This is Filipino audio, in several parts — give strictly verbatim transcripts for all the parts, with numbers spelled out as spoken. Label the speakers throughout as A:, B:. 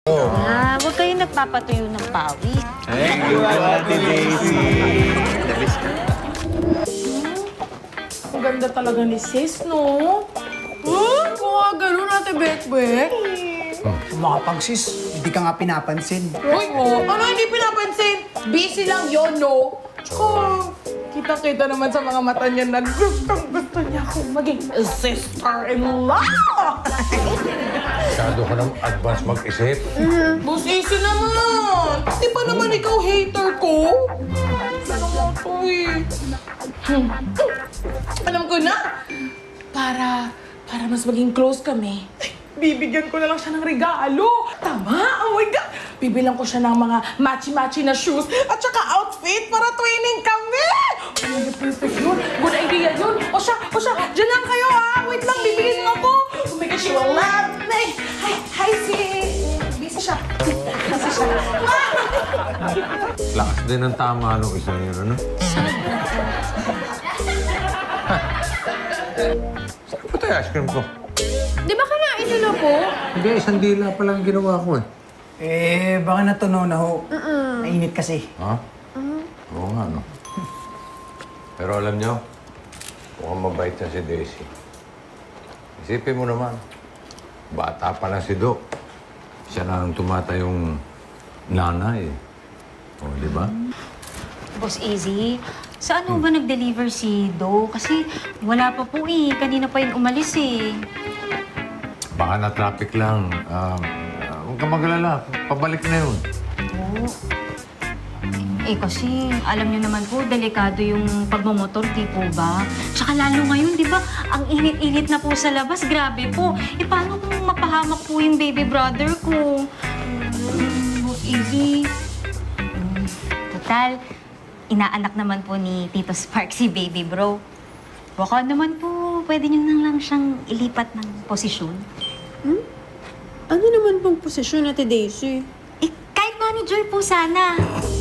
A: Ah, huwag kayo nagpapatuyo ng pawis.
B: Thank you, Ate Daisy. The best ka.
C: Ang ganda talaga ni sis, no? Huh? Kung nga ganun, Ate Bekbek.
D: Mga pag-sis, hindi ka nga pinapansin.
C: Uy, ano hindi pinapansin? Busy lang yon, no? Tsaka, kita-kita naman sa mga mata niya na gustong gusto niya akong maging sister-in-law!
E: Masyado ka ng advance mag-isip.
C: Boss Easy naman! Di ba naman ikaw hater ko? Ano mo to eh? Hmm. Alam ko na! Para, para mas maging close kami, bibigyan ko na lang siya ng regalo. Tama! Oh my God! Bibilang ko siya ng mga matchy-matchy na shoes at saka outfit para twinning kami! Oh, perfect yun! Good idea yun! O siya, o siya, dyan lang kayo ha! Wait lang, bibigyan mo ako! Oh my God, she will love me! Hi, hi, si... Busy siya. Busy siya.
E: Lakas din ang tama nung isa yun, ano? Saan ba tayo ice cream ko?
A: Di ba kanain nyo na po?
E: Hindi, isang dila pa lang ginawa ko eh.
D: Eh, baka natunaw na ho. Mainit kasi.
E: Ha? Oo nga, no? Pero alam niyo, mukhang mabait na si Daisy. Isipin mo naman, bata pa lang si Doc. Siya na ang tumatayong nanay. O, di ba?
A: Boss Easy, saan mo ba nag-deliver si Do? Kasi wala pa po eh. Kanina pa yun umalis eh.
E: Baka na-traffic lang. Um, uh, huwag ka mag-alala. Pabalik na yun.
A: Oo. Eh kasi, alam niyo naman po, delikado yung pagmamotor, di po ba? Tsaka lalo ngayon, di ba? Ang init-init na po sa labas. Grabe po. Eh, paano kung mapahamak po yung baby brother ko? Mm, Boss Easy. Mm, total, inaanak naman po ni Tito Spark si baby bro. Baka naman po, pwede niyo na lang siyang ilipat ng posisyon.
F: Ano naman pong posisyon, Ate Daisy?
A: Eh, kahit manager po sana.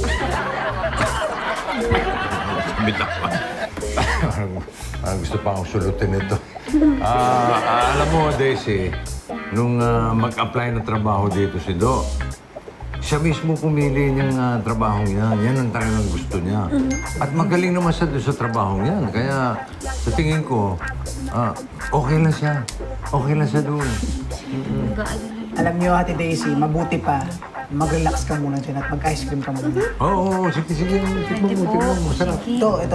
E: Bitawan. parang, parang gusto pa akong sulutin ito. Ah, ah, alam mo, Daisy, nung ah, mag-apply ng trabaho dito si Do, siya mismo pumili niyang uh, trabahong yan. Yan ang talagang gusto niya. At magaling naman siya doon sa trabahong yan. Kaya sa tingin ko, ah, okay lang siya. Okay lang siya doon.
D: Alam niyo, Ate Daisy, mabuti pa. Mag-relax ka muna dyan at mag-ice cream ka muna.
E: Oo, oo, sige, sige. Tikman mo, tikman mo. Masarap.
D: Ito, ito.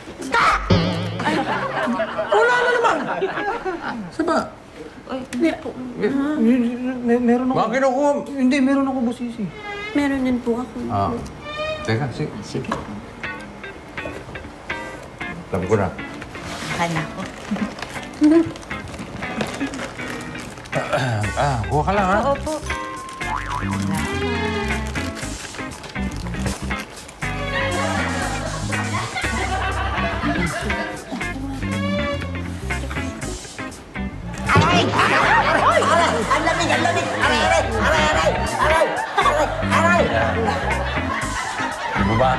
E: Saba?
D: Mer meron ako.
E: Mga kinukuha.
D: Hindi, meron ako, Boss Easy.
F: Meron din po ako.
E: Ah, teka, sige.
A: Sige po.
E: Sabi ko na.
A: Akala ko.
E: Ah, kuha ka lang, ha?
A: Oo po.
G: Ang lamig, ang lamig! Aray, aray! Aray, aray! Aray! Aray! Aray!
E: Di ba ba?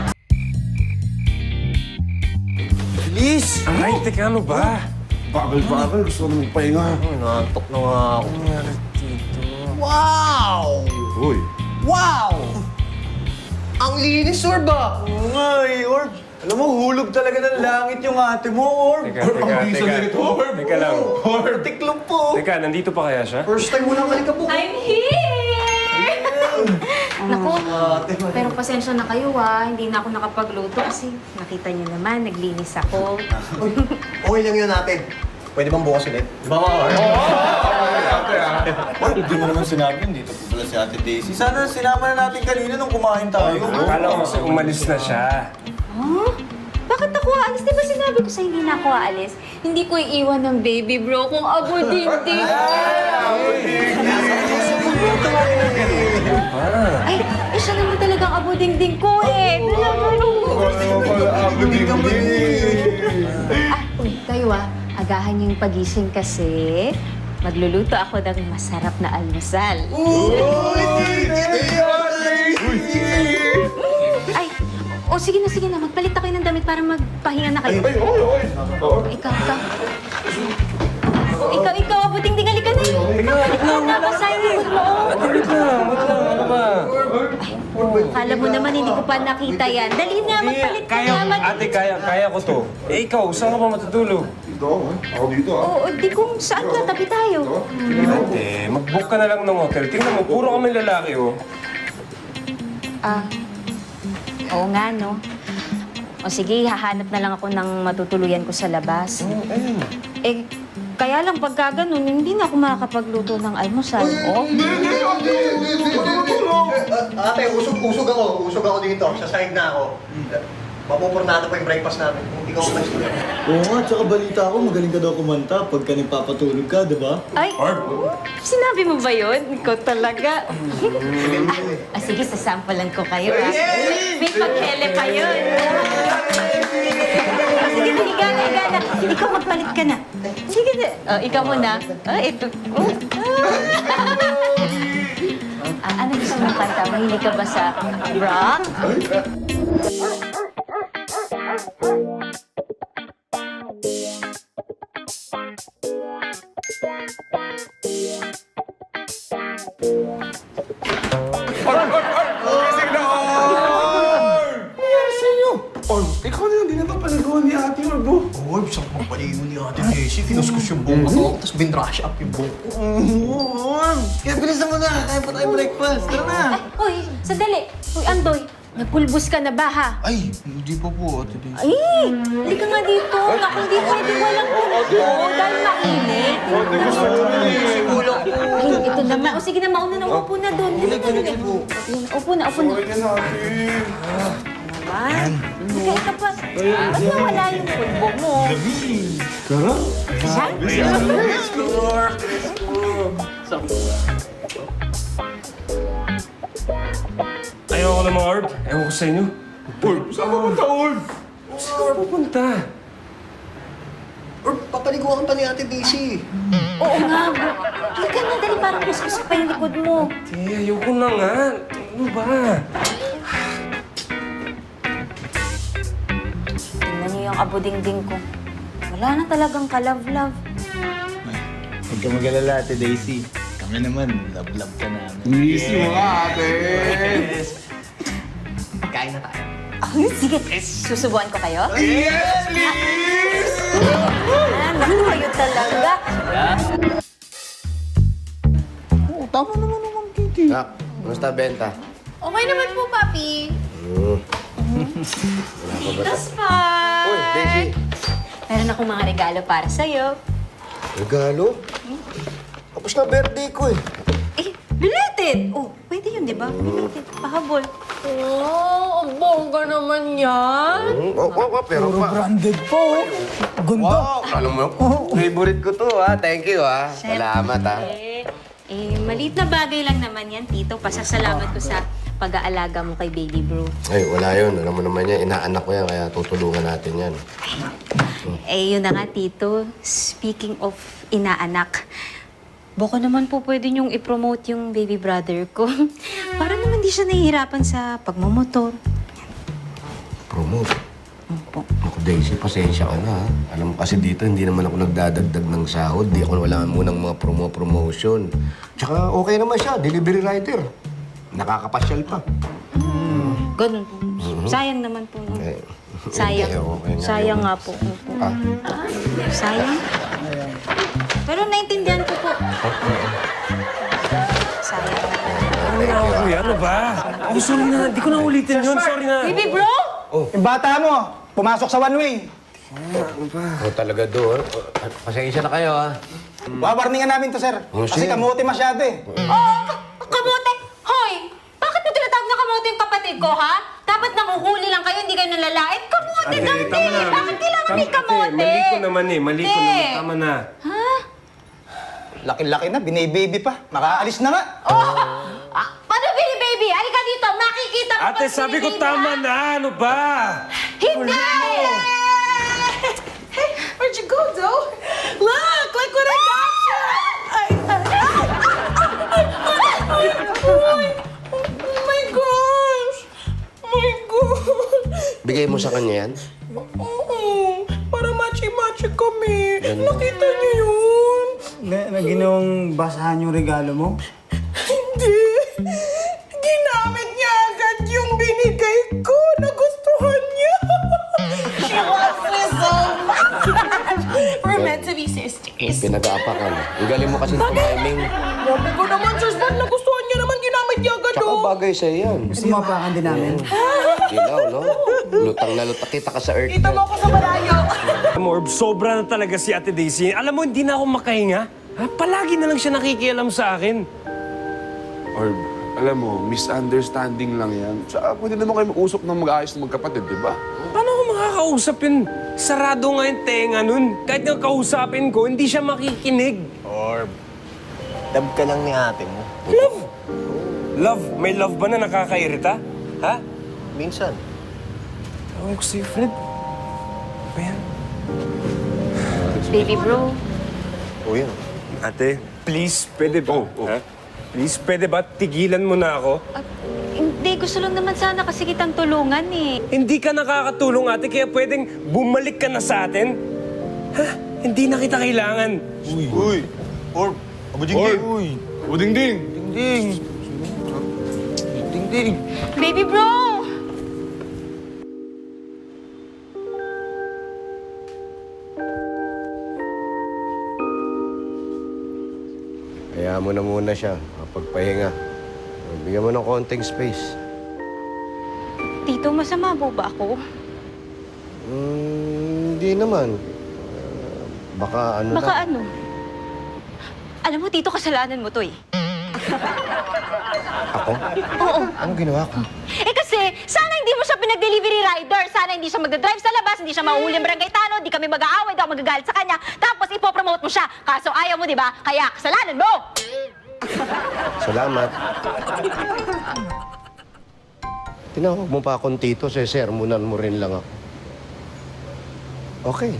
B: Bilis! Ay, teka, ano ba?
H: Bagal-bagal, gusto ko na magpahinga.
B: Nantok na nga ako. Nangyari dito.
G: Wow!
H: Uy,
G: Wow! Ang linis, Orb ah!
B: Oo nga eh, Orb. Alam mo, hulog talaga ng langit yung ate mo, Orb.
H: Teka, teka,
B: Ang bisa
H: teka.
B: nito, Orb.
H: Teka lang.
B: Orb. Tiklop po.
H: Teka, nandito pa kaya siya?
B: First time mo lang alikabok.
A: I'm here! Naku, pero pasensya na kayo ha. Hindi na ako nakapagluto kasi nakita niyo naman, naglinis ako.
B: Okay lang yun natin. Pwede bang bukas ulit? Di ba, Orb?
H: Orb, hindi mo naman sinabi, dito po pala si Ate Daisy.
B: Sana sinama na natin kanina nung kumain tayo.
H: Akala ko kasi umalis na siya.
A: Huh? Bakit ako aalis? Di ba sinabi ko sa hindi na ako aalis? Hindi ko iiwan ng baby bro kung abo dingding. Ay, eh siya naman talagang abo dingding ko eh. Ah, uy, kayo ah. Agahan yung pagising kasi magluluto ako ng masarap na almusal. Ay, o sige na, sige na. Magpalit na kayo ng damit para magpahinga na kayo. Ikaw, ikaw. Ikaw, ikaw, abuting tingali ka na. Ikaw, ikaw, nabasahin mo mo.
H: Wait lang, wait lang.
A: alam mo naman, hindi ko pa nakita yan. Dali na, magpalit ka
H: Kaya,
A: naman.
H: ate, kaya, kaya ko to. Eh, ikaw, saan ka ba matutulog?
A: Oo, di kung saan ka, tabi tayo.
H: Ate, mag-book ka na lang ng hotel. Tingnan mo, puro kami lalaki, oh.
A: Ah, oo nga, no? O sige, hahanap na lang ako ng matutuluyan ko sa labas.
H: Oh, ayun.
A: Eh, kaya lang pagka ganun, hindi na ako makakapagluto ng almusal. Oh?
I: Ate, usog-usog ako. Usog ako dito. Sa side na ako. Mapupurnado pa yung breakfast namin. Kung ikaw umalis na.
B: Oo nga, tsaka balita ko, magaling ka daw kumanta pagka nagpapatulog ka, di ba?
A: Ay, sinabi mo ba yun? Ikaw talaga. ah, ah, sige, sasampulan ko kayo. Ah. May, may paghele pa yun. Ah, sige, higa na, higa na. Ikaw magpalit ka na. Sige na. Oh, ikaw muna. Ah, ito. Oh. Ah, ano gusto mong kanta? Mahilig ka ba sa rock?
B: Ikaw na lang, di na ito palagawa ni Ate Orb, oh.
I: Orb, saan mo paligo ni Ate Daisy? Kinuskus yung buhok ko, tapos binrush up yung buhok ko.
B: Oo, Orb. Kaya bilisan mo na, kaya pa tayo breakfast. Tara na.
A: Uy, sandali. Uy, Andoy, nagpulbos ka na ba, ha?
I: Ay, hindi pa po, Ate Daisy.
A: Ay, hindi ka nga dito. Naku, hindi pwede walang pulbo dahil mainit. Ay, ito naman. O sige na, mauna na. Upo na doon. Dito na, dito. Upo na, upo na. Naman. Kaya ka pa. Ba't nawala yung pulbo mo?
B: Tara.
H: Ayaw ko ng mga orb. Ewan ko sa inyo.
B: Orb, saan ka punta, Orb?
H: Saan ka pupunta?
I: Orb, papaliguan pa ni Ate Daisy.
A: Oo nga, bro. Halika na, dali. Parang kuskus pa yung likod mo.
H: Eh, ayoko na nga. Ano ba?
A: Tingnan niyo yung abudingding ko. Wala na talagang ka-love-love.
B: Huwag ka mag-alala, Ate Daisy. Kami naman, love-love ka namin. Easy mo nga, Ate.
I: Pagkain na tayo.
A: Ay, sige. Susubuan ko kayo?
B: Yes, please!
A: Ah, naku, kayo talaga.
B: Oo, tama naman naman, Kitty.
G: Nak, kumusta benta?
F: Okay naman po, Papi.
A: Titos pa.
G: Uy, Daisy.
A: Meron akong mga regalo para sa'yo.
G: Regalo? Tapos na birthday ko eh.
A: Eh, belated! Oh, pwede yun, di ba? Belated. Pahabol.
F: Oh, ang bongga naman yan.
G: Hmm, Oo, oh, oh, pero
D: Puro
G: pa.
D: branded po. Ganda.
G: Wow, alam mo, favorite ko to ha. Thank you ha. Salamat ha.
A: Eh, eh, maliit na bagay lang naman yan, Tito. Pasasalamat ko sa pag-aalaga mo kay Baby Bro.
G: Ay, wala yun. Alam mo naman yan, inaanak ko yan, kaya tutulungan natin yan.
A: Eh, yun na nga, Tito. Speaking of inaanak, baka naman po pwede niyong i-promote yung baby brother ko. Para naman di siya nahihirapan sa pagmamotor.
G: Promote.
A: Opo.
G: Ako, Daisy, pasensya ka na ha. Alam mo kasi dito, hindi naman ako nagdadagdag ng sahod. Di ako wala munang mga promo-promotion. Tsaka okay naman siya, delivery rider. Nakakapasyal pa.
A: Ganun po. Sayang naman po. No?
G: Eh,
A: Sayang.
G: hindi, okay nga
A: Sayang
G: yun.
A: nga po. Opo.
G: Ah,
A: Sayang. Pero naintindihan ko po. Sayang.
H: Ano na ako, kuya? Ano ba? Oh, sorry na. Di ko na ulitin yun. Sorry na.
A: Baby bro!
D: Yung bata mo, pumasok sa one way.
G: oh, talaga doon. Pasensya na kayo ha.
D: Wawarningan namin to, sir.
G: Oh,
D: Kasi
G: sir.
D: kamote masyado eh.
A: Oh, kamote! Hoy! Bakit mo tinatawag na kamote yung kapatid ko, ha? Dapat nanguhuli lang kayo, hindi kayo nalalait. Kamote,
H: Ate,
A: Dante!
H: tama na.
A: Bakit kailangan may
H: Tam-
A: kamote?
H: Ate, mali ko naman eh. Mali ko
A: Hindi.
H: naman. Tama na.
A: Ha?
D: Laki-laki na, binibaby pa. Makaalis na nga.
A: Oh! Ah, paano, baby, baby? Halika dito, makikita mo
H: Ate,
A: pag
H: sabi ko
A: sinilin,
H: tama
A: ha?
H: na. Ano ba?
A: Hindi!
C: Where'd you go, though? Look! Look what I got you! Ay, ay, ay, ay, oh my gosh! Oh my gosh!
G: Bigay mo sa kanya yan?
C: Oo, para machi-machi kami. Nakita niyo yun?
D: Na, na ginawang basahan yung regalo mo?
C: Hindi. Ginamit niya agad yung
G: pinag-aapakan. Ang galing mo kasi ng timing.
C: Grabe ko naman, Sir Span. Nagustuhan niya naman. Ginamit niya agad,
G: Tsaka
C: oh.
G: bagay sa'yo yan.
D: Gusto mo apakan din namin?
G: Gilaw, no? Lutang na lutang. Kita ka sa earth.
C: Kita mo ako sa malayo.
H: Morb, sobra na talaga si Ate Daisy. Alam mo, hindi na ako makahinga. Ha? Palagi na lang siya nakikialam sa akin.
J: Or, alam mo, misunderstanding lang yan. Tsaka pwede naman kayo mag-usap ng mag-ayos ng magkapatid, di ba?
H: Paano ko makakausap yun? Sarado nga yung tenga nun. Kahit nga kausapin ko, hindi siya makikinig.
I: Orb, love ka lang ni ate mo.
H: Love? Love? May love ba na nakakairita? Ha?
I: Minsan.
H: Ewan ko sa'yo, Fred. Ano ba yan?
A: Baby bro,
I: O yun.
H: Ate, please, pwede ba? Ha? Please, pwede ba tigilan mo na ako?
A: ah, hindi, gusto lang naman sana kasi kitang tulungan eh.
H: Hindi ka nakakatulong, ate, kaya pwedeng bumalik ka na sa atin? Ha? Hindi na kita kailangan.
B: Uy! Orb! Abo Jingging! Uy! Abo Dingding! Dingding! Dingding!
A: Baby bro!
G: Kaya mo na muna siya. Pagpahinga. Bigyan mo ng konting space.
A: Tito, masama po ba ako?
G: Hmm, hindi naman. Ah, baka ano
A: Baka
G: lang.
A: ano? Alam mo, Tito, kasalanan mo to eh.
G: Ako?
A: Oo.
G: Anong ginawa ko?
A: Eh kasi, sana hindi mo siya pinag-delivery rider. Sana hindi siya magdadrive sa labas, hindi siya mauuli ang barangay tanod, di kami mag-aaway, di ako magagalit sa kanya. Tapos ipopromote mo siya. Kaso ayaw mo, di ba? Kaya kasalanan mo!
G: Salamat. Tinawag mo pa akong tito, sesermonan mo rin lang ako. Okay.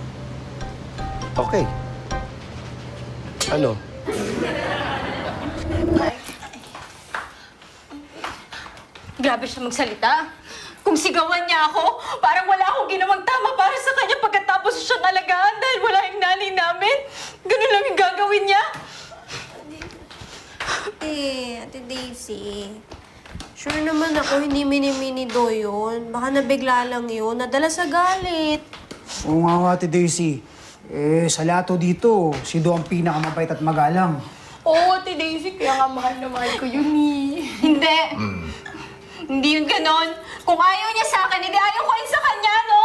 G: Okay. Ano?
A: Grabe siya magsalita. Kung sigawan niya ako, parang wala akong ginawang tama para sa kanya pagkatapos siyang alagaan dahil wala yung nanay namin. Ganun lang yung gagawin niya.
F: Ate, Ate Daisy. Sure naman ako, hindi mini-mini do yun. Baka nabigla lang yun. Nadala sa galit.
D: Oo nga, Ate Daisy. Eh, sa lato dito, si Do ang pinakamabait at magalang.
C: Oo, Ate Daisy. Kaya nga mahal na mahal ko yun, eh.
A: Hindi. Hindi yun ganon. Kung ayaw niya sa akin, hindi ayaw ko rin sa kanya, no?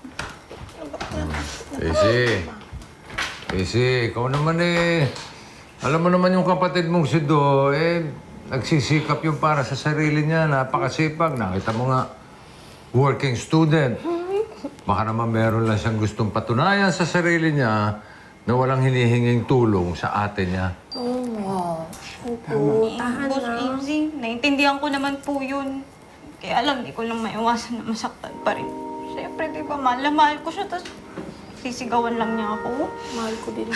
E: Daisy. Daisy, ikaw naman eh. Alam mo naman yung kapatid mong si Do, eh, nagsisikap yung para sa sarili niya. Napakasipag. Nakita mo nga, working student. Baka naman meron lang siyang gustong patunayan sa sarili niya na walang hinihinging tulong sa ate niya.
F: Oo.
A: Boss Easy, naiintindihan ko naman po yun. Kaya lang, di ko lang maiwasan na masaktan pa rin. Siyempre, di ba, mahal na mahal ko siya, tapos sisigawan lang niya ako.
F: Mahal ko din.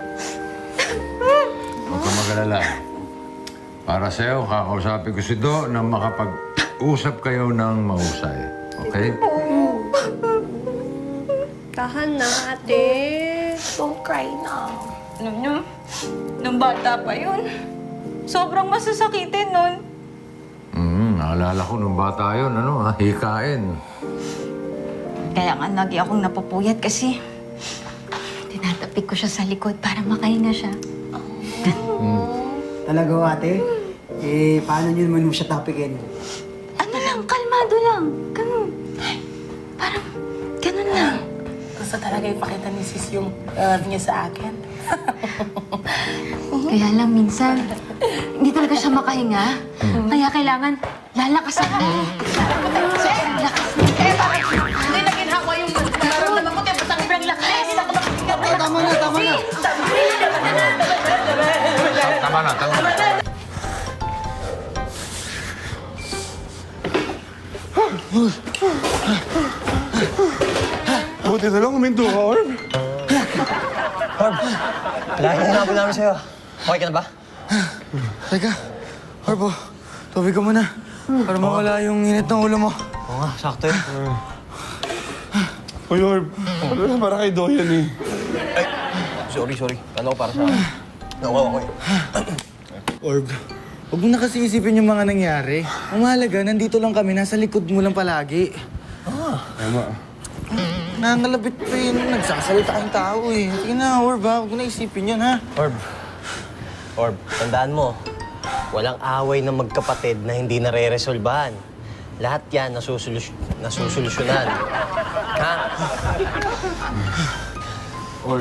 E: Huwag ka mag-alala. Para sa'yo, kakausapin ko si Do na makapag-usap kayo ng mahusay. Okay?
F: Tahan na, ate. Don't cry na.
A: Alam niyo, nung bata pa yun, sobrang masasakitin nun.
E: Hmm, naalala ko nung bata yun, ano, ha? Hikain.
A: Kaya nga lagi akong napupuyat kasi tinatapik ko siya sa likod para makahinga siya.
D: Talaga, ate? Eh, paano nyo naman mo siya tapikin?
A: Ano lang, kalmado lang. Ganun. Parang, ganun lang.
C: Gusto talaga ipakita ni sis yung love niya sa akin.
A: Kaya lang minsan, hindi talaga siya makahinga. Kaya kailangan lalakasan mo. Lakas mo.
C: Eh, bakit? Hindi na ginhawa yung nararamdaman ko. Kaya ba't ang ibrang lakas?
D: Tama na, tama na!
E: Tama na, tama na.
J: Buti na lang, huminto ka, Orb.
I: Lagi na namin namin sa'yo. Okay ka na ba?
B: Teka, Orbo, tubig ka muna. Para mawala yung init ng ulo mo.
I: Oo nga, sakto yun.
J: Uy, Orb. Ano para kay Do yan eh.
I: Sorry, sorry. Kala ko para sa akin. Nakuha ko eh.
B: Orb, huwag mo na kasi isipin yung mga nangyari. Ang mahalaga, nandito lang kami, nasa likod mo lang palagi.
J: Tama.
B: nangalabit pa yun. Nagsasalita kayong tao eh. Sige na, Orb ha. Huwag mo na isipin yun ha.
I: Orb. Orb, tandaan mo, walang away ng magkapatid na hindi nare-resolbahan. Lahat yan nasusolus nasusolusyonan. Ha?